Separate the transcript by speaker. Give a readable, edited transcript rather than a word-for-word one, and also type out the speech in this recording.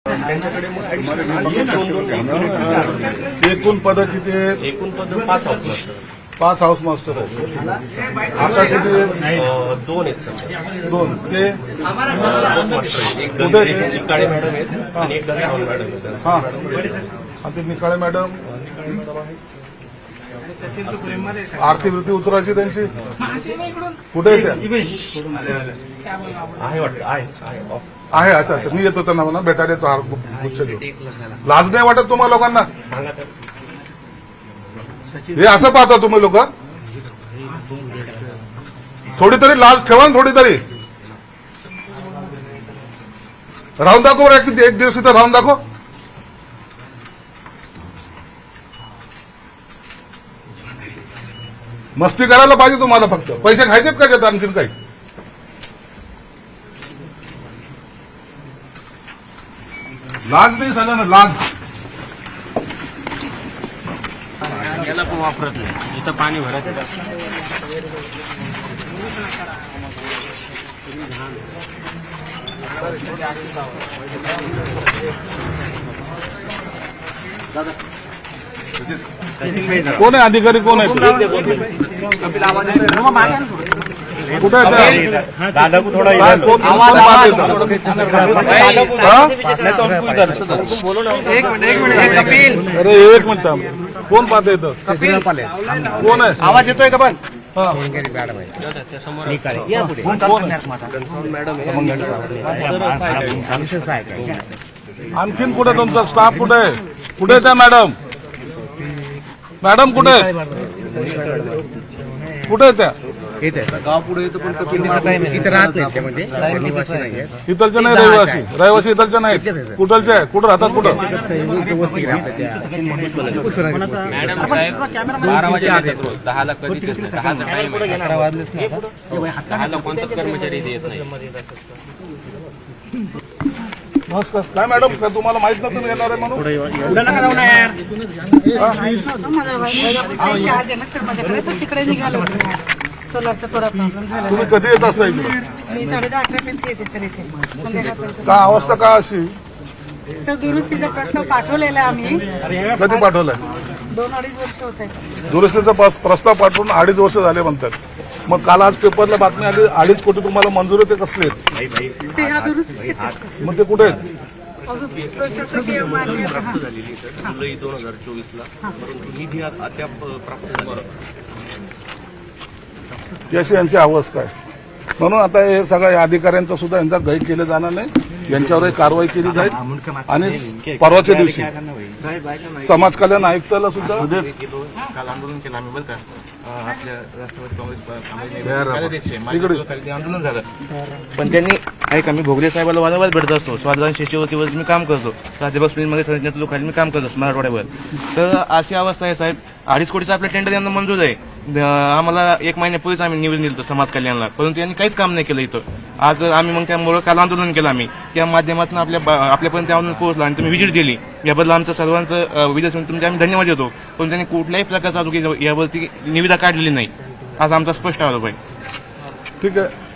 Speaker 1: त्यांच्याकडे मग एकूण पद किती आहेत?
Speaker 2: एकूण पद 5 हाऊस मास्टर
Speaker 1: 5 हाऊस मास्टर आहेत. आता किती आहेत?
Speaker 2: 2 आहेत सर.
Speaker 1: 2 ते
Speaker 2: हाऊस मास्टर आहेत. एक काळे मॅडम आहेत आणि एक गणसावंत मॅडम आहेत.
Speaker 1: हा आणि ते निकाळे मॅडम आर्थिक वृत्ती उतरायची त्यांची कुठे आहे त्या?
Speaker 2: आहे वाटतं आहे
Speaker 1: आहे. अच्छा अच्छा, मी येतो त्यांना म्हणा भेटायला येतो. लाज नाही वाटत तुम्हाला लोकांना?
Speaker 2: सांगा तर.
Speaker 1: हे असं पाहता तुम्ही लोक? थोडी तरी लाज ठेवा ना, थोडी तरी. राहून दाखव रे, किती एक दिवस इथं राहून दाखव. मस्ती करायला पाहिजे तुम्हाला, फक्त पैसे खायचेत का त्यात आणखीन काही? लाज नाही झालं ना, लाज.
Speaker 3: याला पण वापरत नाही, इथं पाणी भरत
Speaker 1: कोण आहे अधिकारी? कोण आहे? कुठे
Speaker 4: दादा को थोड़ा
Speaker 1: कोण पाहत येतं? अरे एक मिनिट थांब. कोण पाहत येतं? कोण आहे?
Speaker 4: आवाज येतोय का पण?
Speaker 1: हा. आणखीन कुठे तुमचा स्टाफ? कुठे आहे? कुठे आहे त्या मॅडम? मॅडम कुठे आहे? कुठे आहे त्या?
Speaker 4: गाव पुढे येतो पण इथं राहत नाही ते, म्हणजे निवासी नाहीये.
Speaker 1: इथलच्या नाही रहिवासी? रहिवासी इथलच्या नाहीत. कुठलच्या आहे? कुठं राहतात? कुठं?
Speaker 3: मॅडम साहेब 12 वाजे येतात रोज, 10ला कधीच येत नाही. 10चा टाइम आहे. 10ला कोणताच कर्मचारी इथे येत नाही.
Speaker 1: नमस्कार. काय मॅडम, काय तुम्हाला माहित नव्हतं मी येणार आहे म्हणून?
Speaker 5: तिकडे निघालो सोलारचा थोडा प्रॉब्लेम झाला.
Speaker 1: तुम्ही कधी येत असता इकडे?
Speaker 5: मी 10:30 पर्यंत येते सर इथे संध्याकाळपर्यंत.
Speaker 1: का अवस्था का अशी?
Speaker 5: सर दुरुस्तीचा प्रस्ताव पाठवलेला आम्ही.
Speaker 1: कधी पाठवलाय?
Speaker 5: 2-2.5 वर्ष होत आहेत.
Speaker 1: दुरुस्तीचा प्रस्ताव पाठवून 2.5 वर्ष झाले म्हणतात. मग काल आज पेपरला बातमी आली 2.5 कोटी तुम्हाला मंजूर आहे. ते कसले आहेत?
Speaker 5: ते ह्या दुरुस्तीचे आहेत, सर.
Speaker 1: मग ते कुठे आहेत?
Speaker 5: प्रशासकीय मान्यता. हां.
Speaker 2: जुलै 2024ला, परंतु निधी अद्याप प्राप्त झाला.
Speaker 1: ती अशी यांची अवस्था आहे. म्हणून आता हे सगळ्या अधिकाऱ्यांचा सुद्धा यांचा गैर केलं जाणार नाही. यांच्यावर कारवाई केली जाईल. आणि परवाच्या दिवशी समाज कल्याण आयुक्ताला सुद्धा
Speaker 4: काल आंदोलन केलं आम्ही, बरं का? आपल्या राष्ट्रवादी काँग्रेस आंदोलन झालं, पण त्यांनी ऐक आम्ही भोगले साहेबाला वारंवार भेटत असतो. स्वाधान शिष्यवृत्तीवर मी काम करतो. प्राध्यापक सुनील संघटनेत लोकांनी मी काम करत असतो मराठवाड्यावर. तर अशी अवस्था आहे साहेब. 2.5 कोटीचा आपल्या टेंडर यांना मंजूर आहे. आम्हाला 1 महिन्यापूर्वीच आम्ही निवेदन दिलं समाज कल्याणला, परंतु यांनी काहीच काम नाही केलं इथं. आज आम्ही मग त्यामुळे काल आंदोलन केलं आम्ही. त्या माध्यमातून आपल्यापर्यंत आंदोलन पोहोचलं आणि तुम्ही व्हिजिट दिली. याबद्दल आमचं सर्वांचं विजय तुमचे आम्ही धन्यवाद देतो. पण त्यांनी कुठल्याही प्रकारचा यावरती निविदा काढलेली नाही. आज आमचा स्पष्ट आरोप आहे.
Speaker 1: ठीक आहे.